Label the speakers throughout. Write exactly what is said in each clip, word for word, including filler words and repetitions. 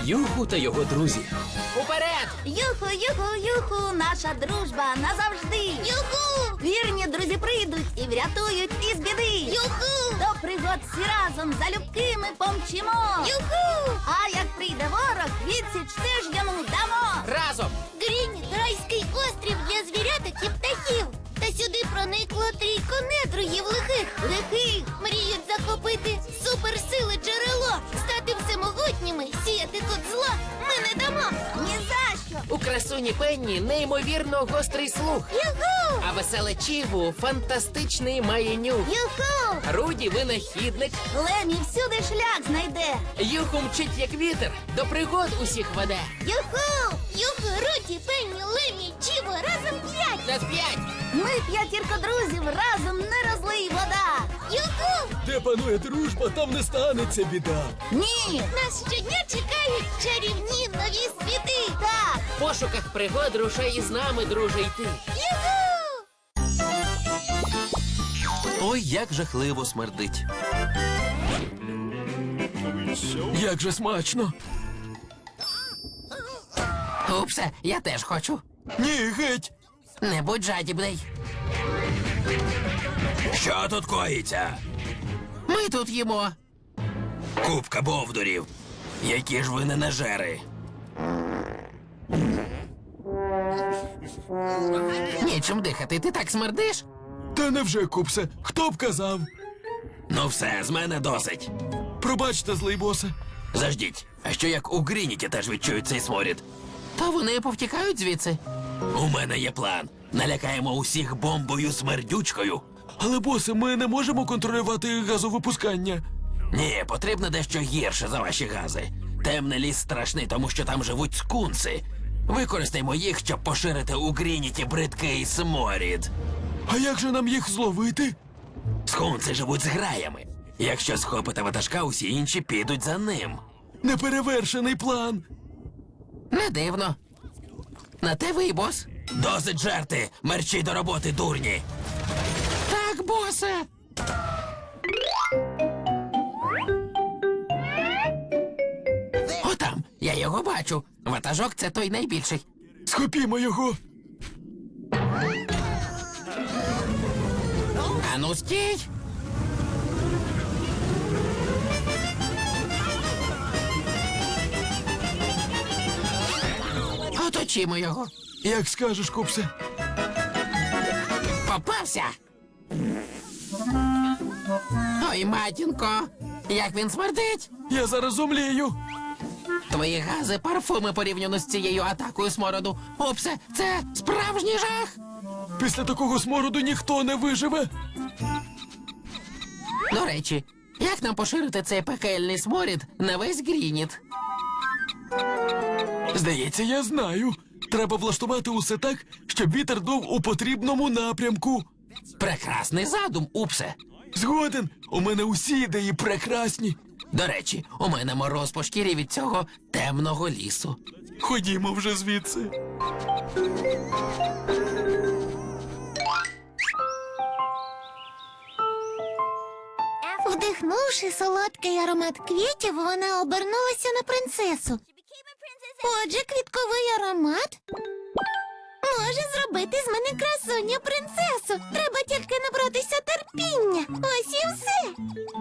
Speaker 1: Юху та його друзі. Уперед!
Speaker 2: Юху, юху, юху, наша дружба назавжди. Юху! Вірні друзі прийдуть і врятують із біди. Юху! До пригод всі разом залюбки ми помчимо. Юху! А як прийде ворог, відсіч теж йому дамо.
Speaker 1: Разом!
Speaker 2: Грінь – райський острів для звіряток і птахів. Та сюди проникло трійко недругів лихих. Лихих мріють захопити суперсили джерело. Стати всемогутніми, сіяти тут зло ми не дамо. Ні за що.
Speaker 1: У красуні Пенні неймовірно гострий слух.
Speaker 2: Юху!
Speaker 1: А веселе Чіву фантастичний має нюх.
Speaker 2: Юху!
Speaker 1: Руді винахідник.
Speaker 2: Лемі всюди шлях знайде.
Speaker 1: Юху мчить як вітер, до пригод усіх веде.
Speaker 2: Юху! Юху, Руді, Пенні, Лемі, Чіво, разом п'ять.
Speaker 1: На п'ять!
Speaker 2: Ми п'ятірка друзів, разом не розлий вода. Юху!
Speaker 3: Де панує дружба, там не станеться біда.
Speaker 2: Ні! Нас щодня чекають чарівні нові світи. Так!
Speaker 1: В пошуках пригод рушай із нами, друже, йти.
Speaker 2: Юху!
Speaker 4: Ой, як жахливо смердить.
Speaker 3: Як же смачно.
Speaker 1: Упсе, я теж хочу.
Speaker 3: Ні, геть.
Speaker 1: Не будь жадібний.
Speaker 4: Що тут коїться?
Speaker 1: Ми тут їмо.
Speaker 4: Купка бовдурів. Які ж ви ненажери.
Speaker 1: Нічим дихати, ти так смердиш?
Speaker 3: Та невже, Купсе, хто б казав?
Speaker 4: Ну все, з мене досить.
Speaker 3: Пробачте, злий босе.
Speaker 4: Заждіть, а що як у Грініті теж відчують цей сморід?
Speaker 1: Та вони повтікають звідси.
Speaker 4: У мене є план. Налякаємо усіх бомбою смердючкою.
Speaker 3: Але, босе, ми не можемо контролювати газовипускання.
Speaker 4: Ні, потрібно дещо гірше за ваші гази. Темний ліс страшний, тому що там живуть скунси. Використаймо їх, щоб поширити у Грініті бридкий сморід.
Speaker 3: А як же нам їх зловити?
Speaker 4: Скунси живуть з граями. Якщо схопите ватажка, усі інші підуть за ним.
Speaker 3: Неперевершений план.
Speaker 1: Не дивно. На те ви, бос.
Speaker 4: Досить жерти! Мерчі до роботи, дурні!
Speaker 1: Так, босе. Отам, я його бачу. Ватажок це той найбільший.
Speaker 3: Схопімо його.
Speaker 1: Ану, стій! Оточімо його.
Speaker 3: Як скажеш, Купсе.
Speaker 1: Попався! Ой, матінко, як він смердить!
Speaker 3: Я зараз умлію.
Speaker 1: Твої гази, парфуми порівняно з цією атакою смороду. Упсе, це справжній жах!
Speaker 3: Після такого смороду ніхто не виживе.
Speaker 1: До речі, як нам поширити цей пекельний сморід на весь Грініт?
Speaker 3: Здається, я знаю. Треба влаштувати усе так, щоб вітер дув у потрібному напрямку.
Speaker 1: Прекрасний задум, Упсе.
Speaker 3: Згоден, у мене усі ідеї прекрасні.
Speaker 1: До речі, у мене мороз по шкірі від цього темного лісу.
Speaker 3: Ходімо вже звідси.
Speaker 2: Вдихнувши солодкий аромат квітів, вона обернулася на принцесу. Отже, квітковий аромат може зробити з мене красуню принцесу. Треба тільки набратися терпіння. Ось і все.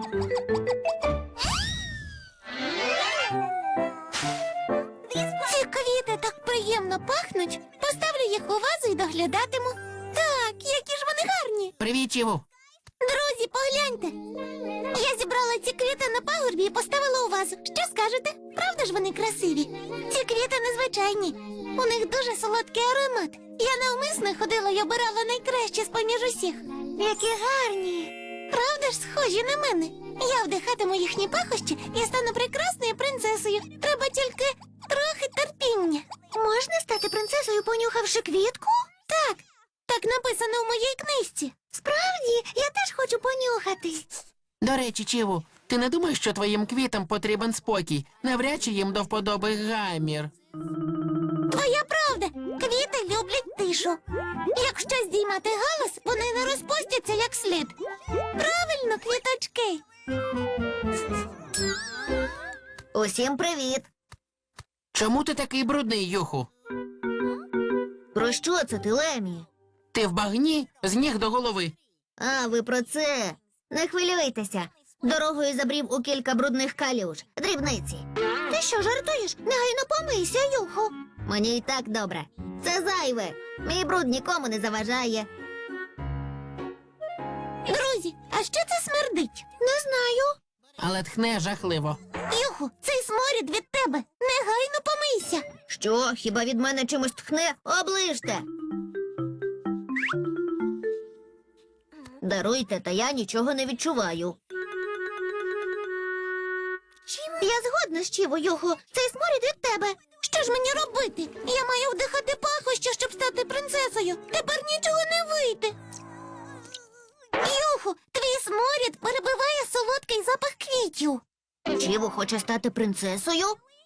Speaker 2: Ці квіти так приємно пахнуть. Поставлю їх у вазу і доглядатиму. Так, які ж вони гарні.
Speaker 1: Привіт, Чіву.
Speaker 2: Друзі, погляньте. Я зібрала ці квіти на пагорбі і поставила у вазу. Що скажете? Правда ж вони красиві? Ці квіти незвичайні. У них дуже солодкий аромат. Я навмисно ходила і обирала найкраще з-поміж усіх. Які гарні. Правда ж схожі на мене? Я вдихатиму їхні пахощі і стану прекрасною принцесою. Треба тільки трохи терпіння. Можна стати принцесою, понюхавши квітку? Так. Так написано в моїй книжці. Справді, я теж хочу понюхати.
Speaker 1: До речі, Чіву, ти не думаєш, що твоїм квітам потрібен спокій? Навряд чи їм до вподоби гамір.
Speaker 2: Твоя правда. Квіти люблять тишу. Якщо здіймати галас, вони не розпустяться як слід. Правильно, квіточки. Усім привіт.
Speaker 1: Чому ти такий брудний, Юху?
Speaker 2: Про що це ти, Лемі?
Speaker 1: Ти в багні з ніг до голови.
Speaker 2: А, ви про це. Не хвилюйтеся. Дорогою забрів у кілька брудних калюж. Дрібниці. Ти що, жартуєш? Негайно помийся, Юху. Мені і так добре. Це зайве. Мій бруд нікому не заважає. Друзі, а що це смердить? Не знаю.
Speaker 1: Але тхне жахливо.
Speaker 2: Юху, цей сморід від тебе. Негайно помийся. Що, хіба від мене чимось тхне? Оближте. Даруйте, та я нічого не відчуваю. Я згодна з Чіво, Юху. Цей сморід від тебе. Що ж мені робити? Я маю вдихати пахощі, щоб стати принцесою. Тепер нічого не вийде. Юху, твій сморід перебиває солодкий запах квітів. Чіво хоче стати принцесою?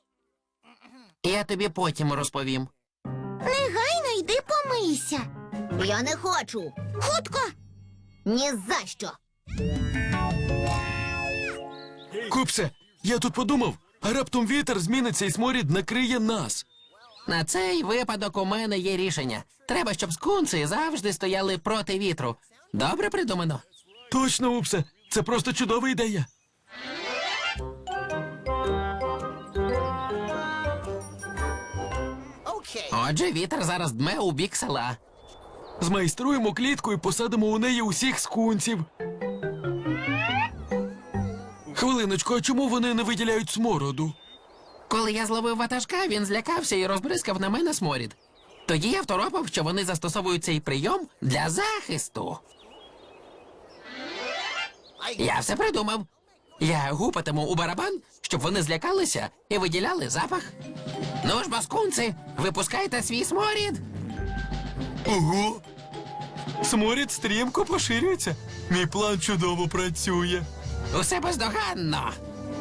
Speaker 1: Я тобі потім розповім.
Speaker 2: Негайно йди помийся. Я не хочу. Хутко. Ні за що.
Speaker 3: Купсе, я тут подумав, а раптом вітер зміниться і сморід накриє нас.
Speaker 1: На цей випадок у мене є рішення. Треба, щоб скунси завжди стояли проти вітру. Добре придумано.
Speaker 3: Точно, Упсе, це просто чудова ідея.
Speaker 1: Отже, вітер зараз дме у бік села.
Speaker 3: Змайструємо клітку і посадимо у неї усіх скунсів. Хвилиночку, а чому вони не виділяють смороду?
Speaker 1: Коли я зловив ватажка, він злякався і розбризкав на мене сморід. Тоді я второпав, що вони застосовують цей прийом для захисту. Я все придумав. Я гупатиму у барабан, щоб вони злякалися і виділяли запах. Ну ж, баскунці, випускайте свій сморід.
Speaker 3: Ого! Сморід стрімко поширюється. Мій план чудово працює.
Speaker 1: Усе бездоганно.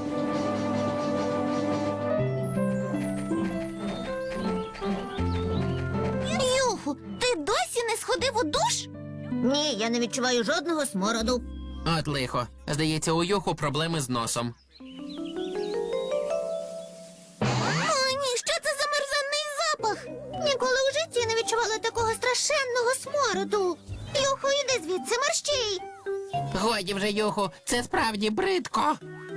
Speaker 2: Юху, ти досі не сходив у душ? Ні, я не відчуваю жодного смороду.
Speaker 1: От лихо. Здається, у Юху проблеми з носом.
Speaker 2: О, ні, що це за мерзенний запах? Ніколи у житті не відчувала такого страшенного смороду. Юху, іди звідси, мерщій.
Speaker 1: Годі вже, Юху, це справді бридко.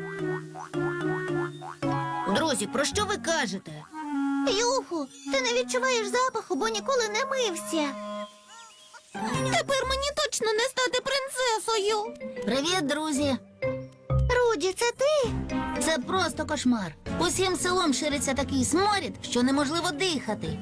Speaker 2: Друзі, про що ви кажете? Юху, ти не відчуваєш запаху, бо ніколи не мився. Тепер мені точно не стати принцесою. Привіт, друзі. Руді, це ти? Це просто кошмар. Усім селом шириться такий сморід, що неможливо дихати.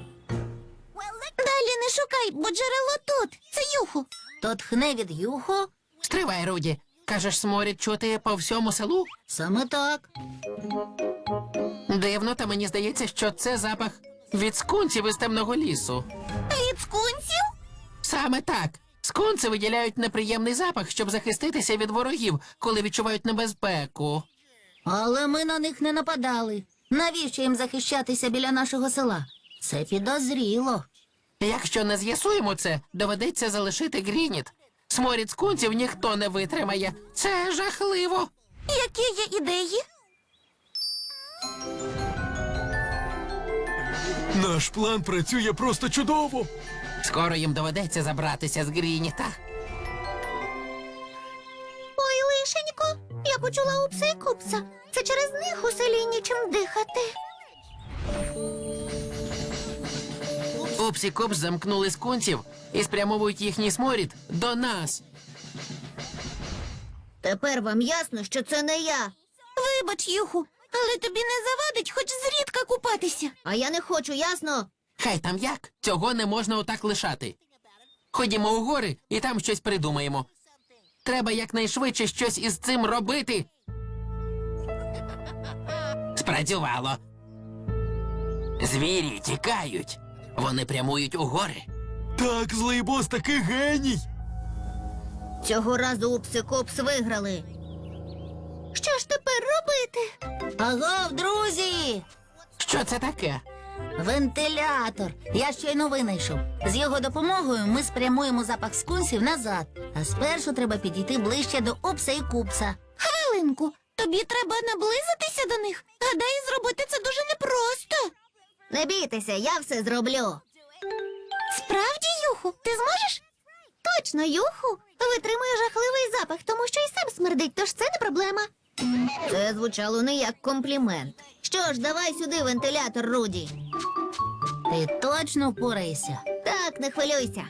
Speaker 2: Далі не шукай, бо джерело тут. Це Юху. То тхне від Юху?
Speaker 1: Стривай, Руді. Кажеш, сморід чути по всьому селу?
Speaker 2: Саме так.
Speaker 1: Дивно, та мені здається, що це запах від скунсів із темного лісу.
Speaker 2: Від скунсів?
Speaker 1: Саме так. Скунси виділяють неприємний запах, щоб захиститися від ворогів, коли відчувають небезпеку.
Speaker 2: Але ми на них не нападали. Навіщо їм захищатися біля нашого села? Це підозріло.
Speaker 1: Якщо не з'ясуємо це, доведеться залишити Грініт. Сморід скунсів ніхто не витримає. Це жахливо.
Speaker 2: Які є ідеї?
Speaker 3: Наш план працює просто чудово.
Speaker 1: Скоро їм доведеться забратися з Грініта.
Speaker 2: Ой, лишенько, я почула Упса і Купса. Це через них у селі нічим дихати.
Speaker 1: Упс і Купс замкнули скунсів і спрямовують їхній сморід до нас.
Speaker 2: Тепер вам ясно, що це не я. Вибач, Юху, але тобі не завадить хоч зрідка купатися. А я не хочу, ясно?
Speaker 1: Хай там як, цього не можна отак лишати. Ходімо у гори і там щось придумаємо. Треба якнайшвидше щось із цим робити. Спрацювало. Звірі тікають. Вони прямують у гори.
Speaker 3: Так, злий бос такий геній.
Speaker 2: Цього разу Упс і Купс виграли. Що ж тепер робити? Агов, друзі!
Speaker 1: Що це таке?
Speaker 2: Вентилятор. Я щойно винайшов. З його допомогою ми спрямуємо запах скунсів назад. А спершу треба підійти ближче до Упса і Купса. Хвилинку. Тобі треба наблизитися до них. Гадаю, зробити це дуже непросто.
Speaker 5: Не бійтеся, я все зроблю.
Speaker 2: Справді, Юху, ти зможеш?
Speaker 5: Точно, Юху витримує жахливий запах, тому що і сам смердить, тож це не проблема. Це звучало не як комплімент. Що ж, давай сюди вентилятор, Руді. Ти точно впораєшся? Так, не хвилюйся.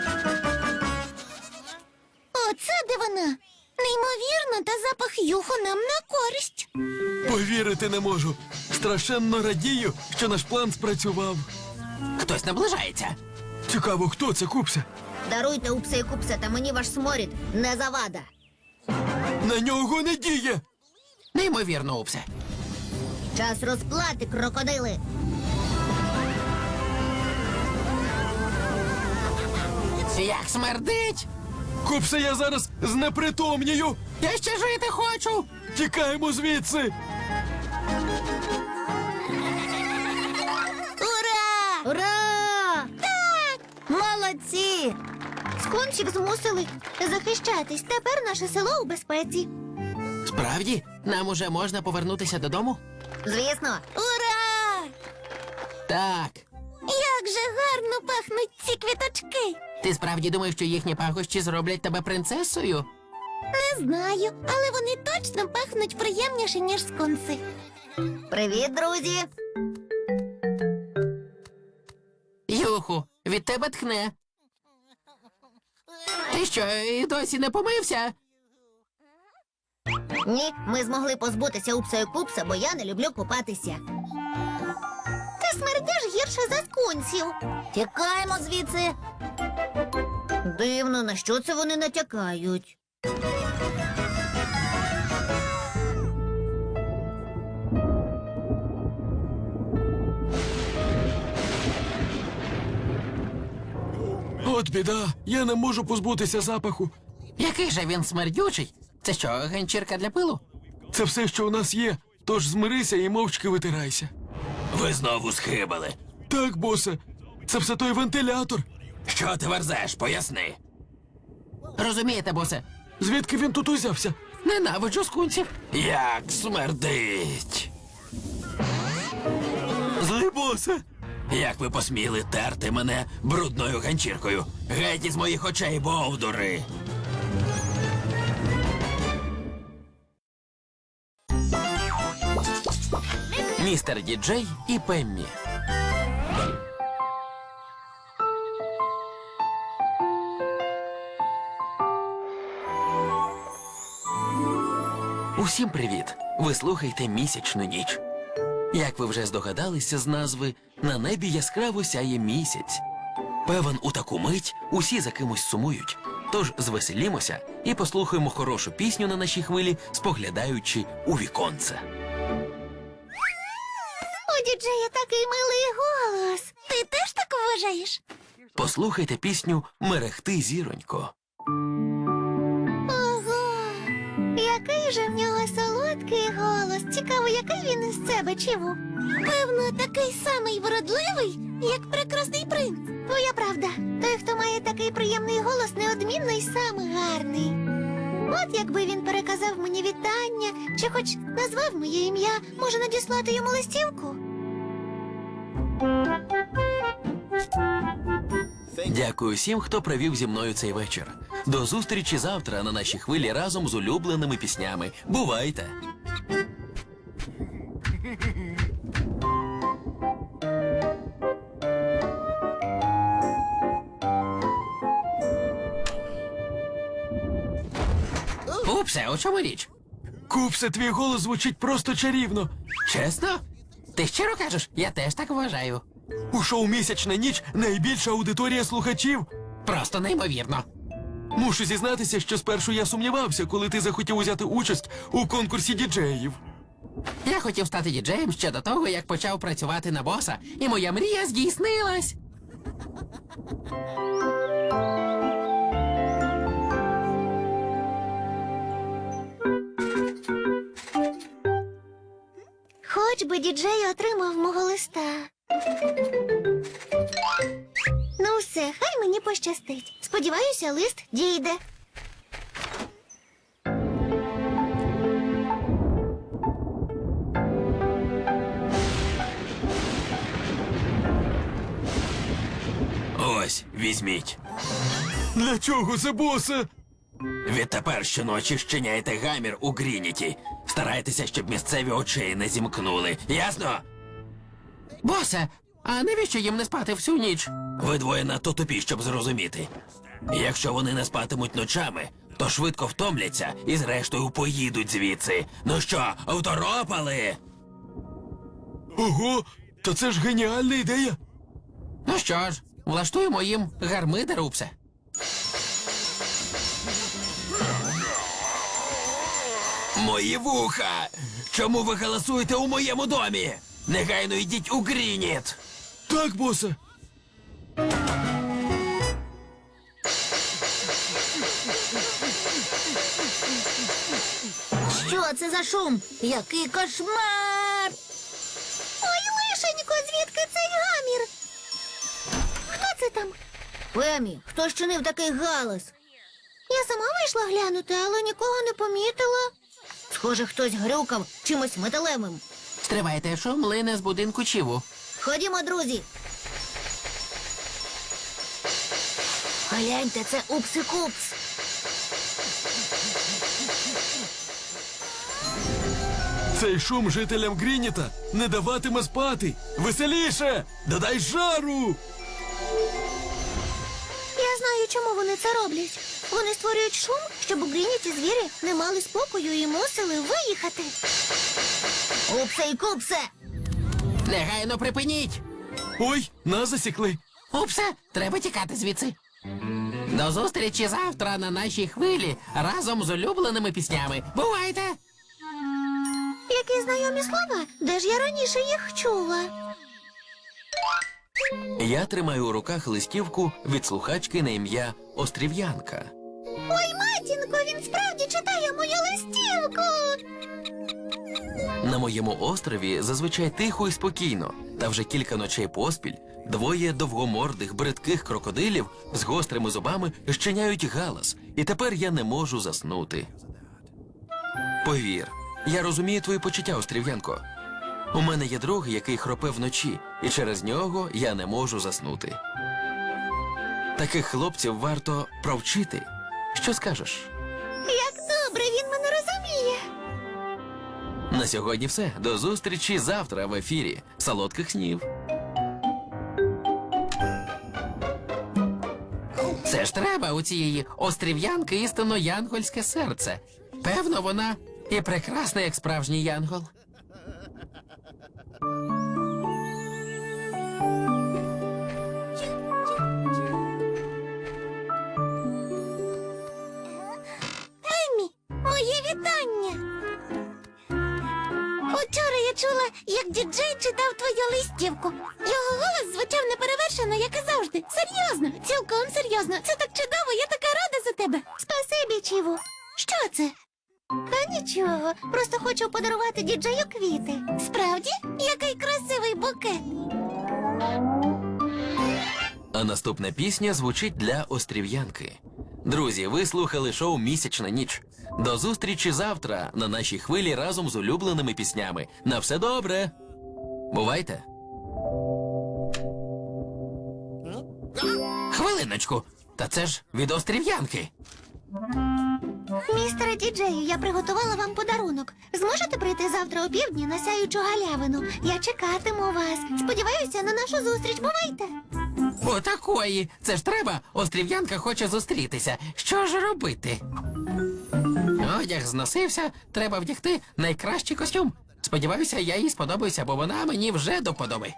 Speaker 2: Оце де вона. Неймовірно, та запах Юху нам на користь.
Speaker 3: Повірити не можу. Страшенно радію, що наш план спрацював.
Speaker 1: Хтось наближається.
Speaker 3: Цікаво, хто це, Купсе?
Speaker 5: Даруйте, Упсе і Купсе, та мені ваш сморід не завада.
Speaker 3: На нього не діє.
Speaker 1: Неймовірно, Упсе.
Speaker 5: Час розплати, крокодили.
Speaker 1: Як смердить!
Speaker 3: Купсе, я зараз знепритомнію.
Speaker 1: Я ще жити хочу!
Speaker 3: Тікаємо звідси.
Speaker 5: Ура! Ура! Так! Молодці! Скунсів змусили захищатись. Тепер наше село у безпеці.
Speaker 1: Справді, нам уже можна повернутися додому?
Speaker 5: Звісно.
Speaker 2: Ура!
Speaker 1: Так.
Speaker 2: Як же гарно пахнуть ці квіточки.
Speaker 1: Ти справді думаєш, що їхні пахощі зроблять тебе принцесою?
Speaker 2: Не знаю, але вони точно пахнуть приємніше, ніж скунси.
Speaker 5: Привіт, друзі!
Speaker 1: Юху, від тебе тхне. Ти що, і досі не помився?
Speaker 5: Ні, ми змогли позбутися Упса і Купса, бо я не люблю купатися. Ти смердиш гірше за скунсів. Тікаємо звідси. Дивно, на що це вони натякають.
Speaker 3: От біда, я не можу позбутися запаху.
Speaker 1: Який же він смердючий? Це що, ганчірка для пилу?
Speaker 3: Це все, що у нас є, тож змирися і мовчки витирайся.
Speaker 4: Ви знову схибали.
Speaker 3: Так, босе, це все той вентилятор.
Speaker 4: Що ти верзеш? Поясни.
Speaker 1: Розумієте, босе?
Speaker 3: Звідки він тут узявся?
Speaker 1: Ненавиджу скунсів.
Speaker 4: Як смердить.
Speaker 3: Злий босе.
Speaker 4: Як ви посміли терти мене брудною ганчіркою? Геть із моїх очей, бовдури!
Speaker 1: Містер Діджей і Пеммі. Усім привіт! Ви слухаєте «Місячну ніч». Як ви вже здогадалися з назви, на небі яскраво сяє місяць. Певен, у таку мить усі за кимось сумують. Тож звеселімося і послухаємо хорошу пісню на нашій хвилі, споглядаючи у віконце.
Speaker 2: У діджея такий милий голос. Ти теж так вважаєш?
Speaker 1: Послухайте пісню «Мерехти, зіронько».
Speaker 2: Ого, який же в нього солодкий голос. Цікаво, який він із себе чиву. Певно, такий самий вродливий, як прекрасний принц.
Speaker 5: Твоя правда. Той, хто має такий приємний голос, неодмінно й сам гарний. От якби він переказав мені вітання, чи хоч назвав моє ім'я, може надіслати йому листівку?
Speaker 1: Дякую всім, хто провів зі мною цей вечір. До зустрічі завтра на нашій хвилі разом з улюбленими піснями. Бувайте! Упсе, у чому річ?
Speaker 3: Купсе, твій голос звучить просто чарівно.
Speaker 1: Чесно? Ти щиро кажеш? Я теж так вважаю.
Speaker 3: У шоу «Місячна ніч» найбільша аудиторія слухачів.
Speaker 1: Просто неймовірно.
Speaker 3: Мушу зізнатися, що спершу я сумнівався, коли ти захотів узяти участь у конкурсі діджеїв.
Speaker 1: Я хотів стати діджеєм ще до того, як почав працювати на боса, і моя мрія здійснилась.
Speaker 5: Хоч би діджей отримав мого листа. Ну все, хай мені пощастить. Сподіваюся, лист дійде.
Speaker 4: Ось, візьміть.
Speaker 3: Для чого це, босе?
Speaker 4: Відтепер щоночі щиняйте гамір у Грініті. Старайтеся, щоб місцеві очей не зімкнули. Ясно?
Speaker 1: Босе, а навіщо їм не спати всю ніч?
Speaker 4: Ви двоє надто тупі, щоб зрозуміти. Якщо вони не спатимуть ночами, то швидко втомляться і зрештою поїдуть звідси. Ну що, второпали?
Speaker 3: Ого, та це ж геніальна ідея.
Speaker 1: Ну що ж, влаштуємо їм гармидер, Упсе.
Speaker 4: Мої вуха! Чому ви галасуєте у моєму домі? Негайно йдіть у Грініт!
Speaker 3: Так, босе.
Speaker 5: Що це за шум? Який кошмар!
Speaker 2: Ой, лишенько, звідки цей гамір? Хто це там?
Speaker 5: Пемі, хто щинив такий галас?
Speaker 2: Я сама вийшла глянути, але нікого не помітила.
Speaker 5: Схоже, хтось грюкав чимось металевим.
Speaker 1: Стривайте, шум лине з будинку Чіву.
Speaker 5: Ходімо, друзі. Гляньте, це Упси-Купс.
Speaker 3: Цей шум жителям Грініта не даватиме спати. Веселіше! Додай жару!
Speaker 2: Я знаю, чому вони це роблять. Вони створюють шум, щоб у Грініті звірі не мали спокою і мусили виїхати.
Speaker 5: Упсе і Купсе!
Speaker 1: Негайно припиніть!
Speaker 3: Ой, нас засікли.
Speaker 1: Упсе, треба тікати звідси. До зустрічі завтра на нашій хвилі разом з улюбленими піснями. Бувайте!
Speaker 2: Які знайомі слова? Де ж я раніше їх чула?
Speaker 1: Я тримаю у руках листівку від слухачки на ім'я Острів'янка.
Speaker 2: Ой, матінко, він справді читає мою листівку.
Speaker 1: На моєму острові зазвичай тихо і спокійно, та вже кілька ночей поспіль двоє довгомордих бридких крокодилів з гострими зубами щиняють галас, і тепер я не можу заснути. Повір, я розумію твої почуття, Острів'янко. У мене є друг, який хропе вночі, і через нього я не можу заснути. Таких хлопців варто провчити. Що скажеш?
Speaker 2: Як добре він мене розуміє.
Speaker 1: На сьогодні все. До зустрічі завтра в ефірі. Солодких снів. Це ж треба у цієї острів'янки істинно янгольське серце. Певно, вона і прекрасна, як справжній янгол.
Speaker 2: Еммі, моє вітання. Учора я чула, як діджей читав твою листівку. Його голос звучав неперевершено, як і завжди. Серйозно, цілком серйозно. Це так чудово, я така рада за тебе. Спасибі, Чіву. Що це? Та нічого, просто хочу подарувати діджею квіти. Справді? Який красивий букет.
Speaker 1: А наступна пісня звучить для острів'янки. Друзі, ви слухали шоу «Місячна ніч». До зустрічі завтра на нашій хвилі разом з улюбленими піснями. На все добре! Бувайте! Хвилиночку! Та це ж від острів'янки!
Speaker 2: Містере діджею, я приготувала вам подарунок. Зможете прийти завтра о півдні на сяючу галявину? Я чекатиму вас. Сподіваюся на нашу зустріч. Бувайте!
Speaker 1: Отакої! Це ж треба! Острів'янка хоче зустрітися. Що ж робити? Одяг зносився, треба вдягти найкращий костюм. Сподіваюся, я їй сподобаюся, бо вона мені вже до вподоби.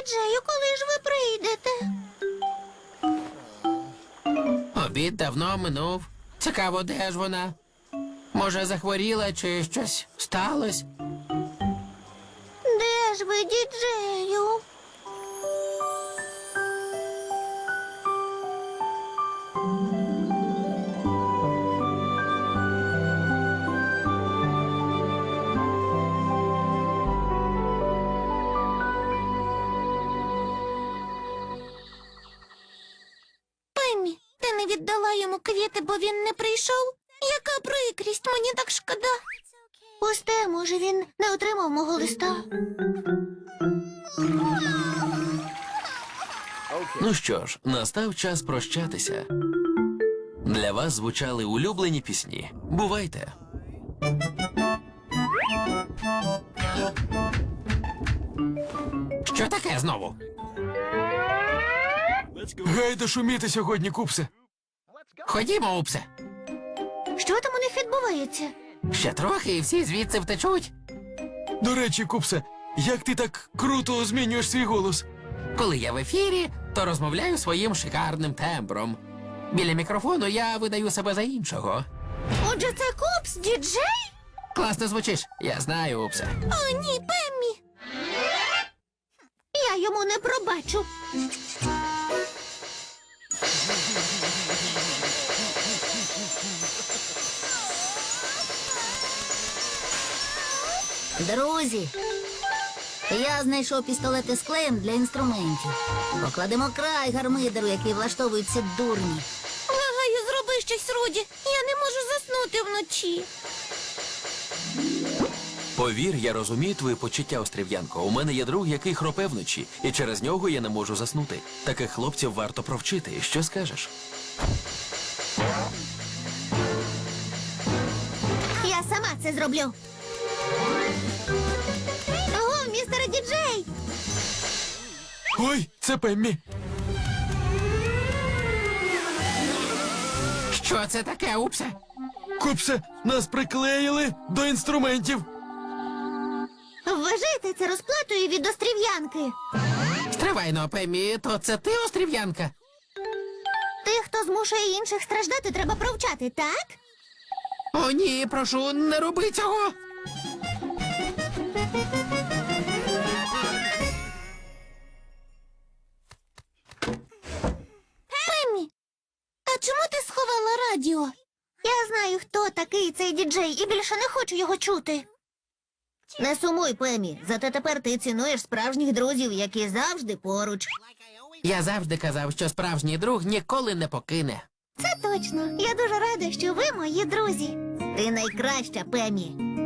Speaker 5: діджею, коли ж ви прийдете?
Speaker 4: Обід давно минув. Цікаво, де ж вона? Може, захворіла чи щось сталося?
Speaker 5: Де ж ви, діджею?
Speaker 2: Пеммі, ти не віддала йому квіти, бо він не прийшов? Яка прикрість, мені так шкода.
Speaker 5: Пусте, може, він не отримав мого листа.
Speaker 1: Ну що ж, настав час прощатися. Для вас звучали улюблені пісні. Бувайте!
Speaker 4: Що таке знову?
Speaker 3: Гайда шуміти сьогодні, Купсе.
Speaker 4: Ходімо, Упсе.
Speaker 5: Що там у них відбувається?
Speaker 4: Ще трохи і всі звідси втечуть.
Speaker 3: До речі, Купсе, як ти так круто змінюєш свій голос?
Speaker 4: Коли я в ефірі, то розмовляю своїм шикарним тембром. Біля мікрофону я видаю себе за іншого.
Speaker 5: Отже, це Купс, діджей?
Speaker 4: Класно звучиш, я знаю, Упсе.
Speaker 2: О, ні, Пеммі.
Speaker 5: Я йому не пробачу.
Speaker 6: Друзі, я знайшов пістолети з клеєм для інструментів. Покладемо край гармидеру, який влаштовують ці дурні.
Speaker 2: Благаю, зроби щось, Руді. Я не можу заснути вночі.
Speaker 1: Повір, я розумію твої почуття, Острів'янко. У мене є друг, який хропе вночі, і через нього я не можу заснути. Таких хлопців варто провчити. Що скажеш?
Speaker 5: Я сама це зроблю. Ого, містере діджей!
Speaker 3: Ой, це Пеммі.
Speaker 4: Що це таке, Упсе?
Speaker 3: Купсе, нас приклеїли до інструментів.
Speaker 5: Вважайте це розплатою від острів'янки.
Speaker 4: Стривайно, Пеммі, то це ти, Острів'янка?
Speaker 5: Тих, хто змушує інших страждати, треба провчати, так?
Speaker 4: О, ні, прошу, не роби цього.
Speaker 2: Пеммі, а чому ти сховала радіо?
Speaker 5: Я знаю, хто такий цей діджей, і більше не хочу його чути. Не сумуй, Пемі, зате тепер ти цінуєш справжніх друзів, які завжди поруч.
Speaker 4: Я завжди казав, що справжній друг ніколи не покине.
Speaker 5: Це точно. Я дуже рада, що ви мої друзі. Ти найкраща, Пемі.